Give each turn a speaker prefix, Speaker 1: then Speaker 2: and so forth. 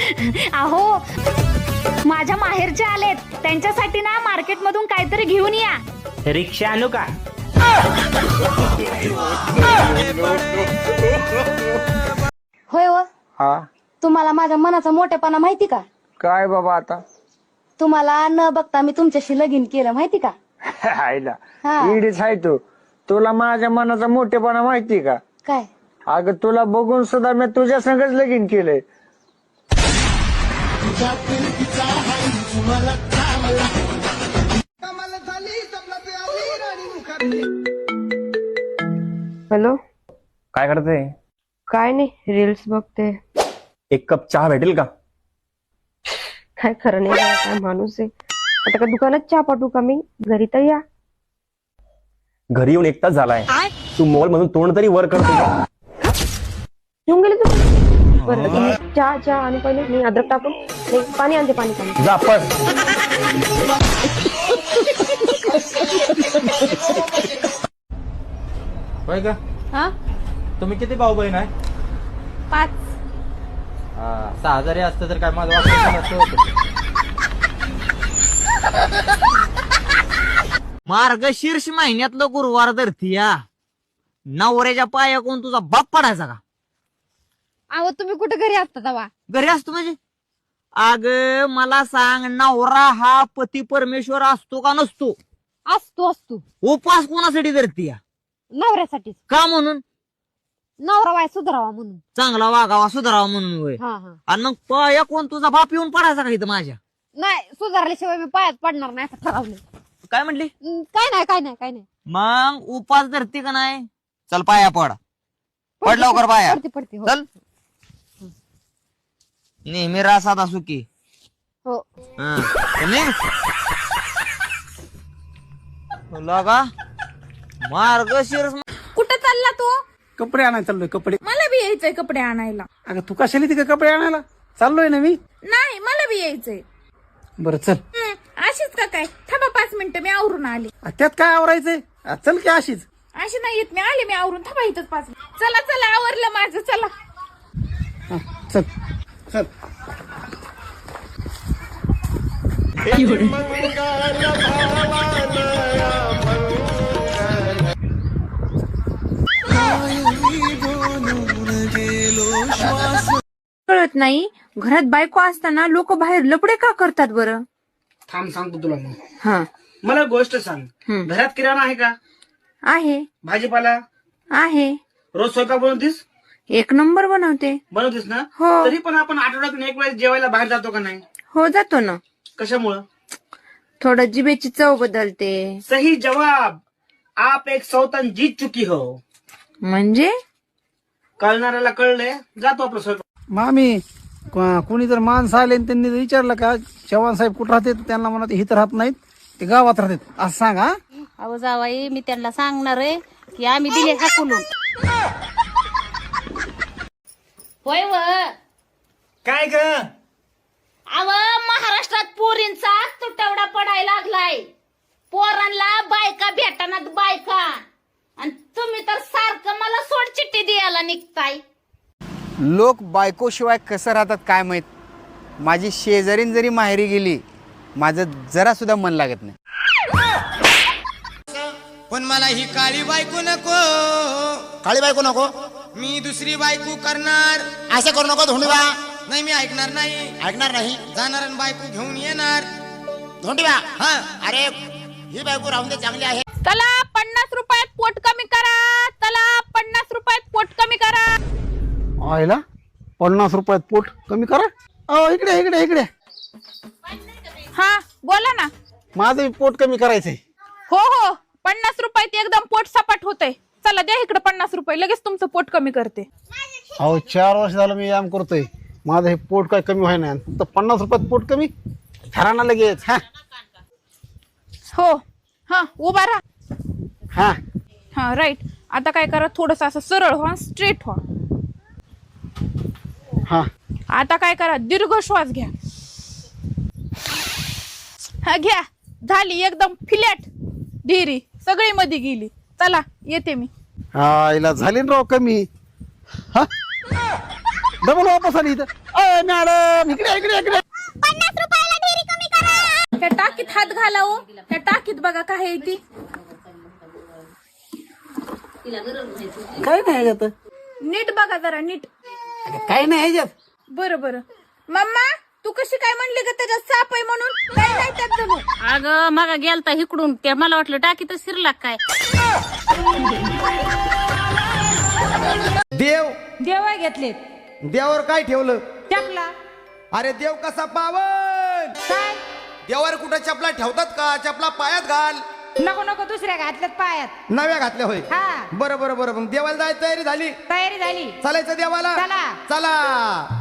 Speaker 1: अहो माझ्या माहेरचे आलेत, त्यांच्यासाठी ना मार्केट मधून काहीतरी घेऊन या.
Speaker 2: रिक्षा आणू का?
Speaker 3: होय व
Speaker 4: हा
Speaker 3: तुम्हाला माझ्या मनाचा मोठेपणा माहिती का?
Speaker 4: काय बाबा आता
Speaker 3: तुम्हाला न बघता मी तुमच्याशी लगीन केलं माहिती का?
Speaker 4: आईला
Speaker 3: हा.
Speaker 4: इडीच आहे तू. तुला माझ्या मनाचा मोठेपणा माहिती का?
Speaker 3: काय
Speaker 4: अगं तुला बघून सुद्धा मी तुझ्या संगच लगीन केलंय.
Speaker 5: हॅलो,
Speaker 2: काय करते?
Speaker 5: काय नाही, रील्स बघते.
Speaker 2: एक कप चहा भेटेल का?
Speaker 5: काय खरं नाही बाबा, काय माणूस आहे. आता का दुकानात चहा पाठवू का मी? घरी तर या.
Speaker 2: घरी येऊन 1 तास झालाय, तू मोबाईल मधून तोंड तरी वर करतो.
Speaker 5: येऊन गेले तू? बरं तुम्ही चहा आणि पहिले मी अद्रक टाकून नाही, पाणी आणते, पाणी.
Speaker 2: जा पण.
Speaker 6: होय का?
Speaker 7: हा
Speaker 6: तुम्ही किती भाऊ बहीण आहे?
Speaker 7: 5.
Speaker 6: 6 जरी असतं तर काय माझं वाटतं नसतं होतं. मार्गशीर्ष महिन्यातलं गुरुवार धरतीया, नवऱ्याच्या पाया कोण तुझा बाप पडायचा का?
Speaker 7: अहो तुम्ही कुठे घरी असता तेव्हा?
Speaker 6: घरी असतो म्हणजे? अग मला सांग, नवरा हा पती परमेश्वर असतो का नसतो?
Speaker 7: असतो
Speaker 6: उपास कोणासाठी धरतीया?
Speaker 7: नवऱ्यासाठीच.
Speaker 6: का म्हणून?
Speaker 7: नवरा वाय सुधारावा म्हणून.
Speaker 6: चांगला वागावा, सुधारावा म्हणून होय.
Speaker 7: हा.
Speaker 6: आणि मग पाया कोण तुझा बाप येऊन पडायचा का इथं माझ्या?
Speaker 7: नाही, सुधारल्याशिवाय मी पायात पडणार नाही असं ठरवलं.
Speaker 6: काय म्हणली?
Speaker 7: काय नाही.
Speaker 6: मग उपास धरती का नाही? चल पाया पड. पड लवकर पाया.
Speaker 7: पडते हो.
Speaker 6: चल. नेहमी रासात असू की.
Speaker 7: हो.
Speaker 6: लगा मार्गशीर्ष.
Speaker 8: कुठं चालला तू?
Speaker 9: कपडे आणायला चाललोय. कपडे
Speaker 8: मला बी यायचंय कपडे आणायला.
Speaker 9: अगं तू कशाला तिकडे कपडे आणायला चाललोय ना मी?
Speaker 8: नाही, मला बी यायचंय.
Speaker 9: बरं चल.
Speaker 8: अशीच का काय? थांबा 5 मिनिटं, मी आवरून आले.
Speaker 9: त्यात काय आवरायचंय? चल की अशीच.
Speaker 8: अशी नाही येत, मी आले, मी आवरून. थांबा इथंच 5 मिनिट. चला आवरलं माझं, चला.
Speaker 9: चल चल.
Speaker 8: कळत नाही, घरात बायको असताना लोक बाहेर लपडे का करतात बरं?
Speaker 9: थांब सांगतो तुला मग.
Speaker 8: हा.
Speaker 9: मला गोष्ट सांग, घरात किराणा आहे का?
Speaker 8: आहे.
Speaker 9: भाजीपाला
Speaker 8: आहे.
Speaker 9: रोज स्वयंपाक बनवतीस?
Speaker 8: 1 नंबर बनवते.
Speaker 9: बनवतीस ना?
Speaker 8: हो.
Speaker 9: तरी पण आपण आठवड्यातून 1 वेळेस जेवायला बाहेर जातो का नाही?
Speaker 8: हो, जातो ना.
Speaker 9: कशामुळं?
Speaker 8: थोडं जिभेची चव बदलते.
Speaker 9: सही जवाब. आप एक सौतन जीत चुकी हो.
Speaker 8: म्हणजे
Speaker 9: कळणाऱ्याला कळलंय, जातो आपलं स्वयंपाक. मामी, कोणी जर माणसं आले आणि त्यांनी जर विचारलं का चव्हाण साहेब कुठं राहते, तर त्यांना म्हणा इथं राहत नाहीत, ते गावात राहतात असं सांगा.
Speaker 10: अहो जावाई, मी त्यांना सांगणार आहे की आम्ही दिले हाकलून. होय व
Speaker 6: काय ग?
Speaker 10: अव महाराष्ट्रात पोरींचा तुटवडा पडायला लागलाय. पोरांना बायका भेटणार बायका, आणि तुम्ही तर सारखं मला सोड चिठ्ठी द्यायला निघताय.
Speaker 11: लोक बायकोशिवाय कसं राहतात काय माहित. माझी शेजारीन जरी माहेरी गेली, माझं जरा सुद्धा मन लागत नाही.
Speaker 12: पण मला ही काळी बायको नको.
Speaker 11: काळी बायको नको?
Speaker 12: मी दुसरी बायको करणार.
Speaker 11: असं करू नको धोंडीबा.
Speaker 12: नाही, मी ऐकणार नाही.
Speaker 11: ऐकणार नाही?
Speaker 12: जाणार आणि बायको घेऊन येणार.
Speaker 11: धोंडीबा.
Speaker 12: हा.
Speaker 11: अरे ही बायको राहून दे, चांगली आहे.
Speaker 8: चला 50 रुपयात पोट कमी करा. चला 50 रुपयात पोट कमी करा.
Speaker 9: आयला 50 रुपयात पोट कमी करा. इकडे इकडे इकडे.
Speaker 8: हा, बोला ना.
Speaker 9: माझं पोट कमी करायचंय.
Speaker 8: हो 50 रुपयात एकदम पोट सपाट होतंय. चला द्या इकडे 50 रुपये, लगेच तुमचं पोट कमी करते.
Speaker 9: 4 वर्ष झालं मी व्यायाम करतोय, माझं हे पोट काय कमी व्हाय नाही. फक्त 50 रुपयात पोट कमी घराना लगेच.
Speaker 8: हो. हा, उभा राहा.
Speaker 9: हा
Speaker 8: हा, राईट. आता काय करा, थोडस असं सरळ व्हा, स्ट्रेट व्हा.
Speaker 9: हा.
Speaker 8: आता काय करा, दीर्घ श्वास घ्या. हा, घ्या. झाली एकदम फ्लॅट. ढिरी सगळी मध्ये गेली. चला येते मी.
Speaker 9: हिला झाली ना राव कमी. डबल वापस आली इथं. अय मॅडम इकडे इकडे इकडे.
Speaker 8: त्या टाकीत हात घाला हो. त्या टाकीत बघा काय आहे ती.
Speaker 9: काय नाही ह्याच्यात,
Speaker 8: नीट बघा जरा नीट.
Speaker 9: काय नाही ह्याच्यात.
Speaker 8: बरं बरं. मम्मा तू कशी काय म्हणली ग त्याच्यात साप आहे म्हणून? काय नाही त्यात जणू.
Speaker 10: अगं मागा गेलता इकडून ते मला वाटलं टाकीतच शिरला काय.
Speaker 12: देव
Speaker 7: देवा घेतले
Speaker 12: देवावर काय ठेवलं?
Speaker 7: चपला
Speaker 12: अरे देव कसा पावन.
Speaker 7: काय
Speaker 12: देवावर कुठं चपला ठेवतात का? चपला पायात घाल.
Speaker 7: नको नको दुसऱ्या घातल्यात पायात.
Speaker 12: नव्या घातल्या होय.
Speaker 7: हा
Speaker 12: बरं बरं बरं. मग देवाला जायची तयारी झाली?
Speaker 7: तयारी झाली.
Speaker 12: चालायचं देवाला.
Speaker 7: चला.
Speaker 12: चला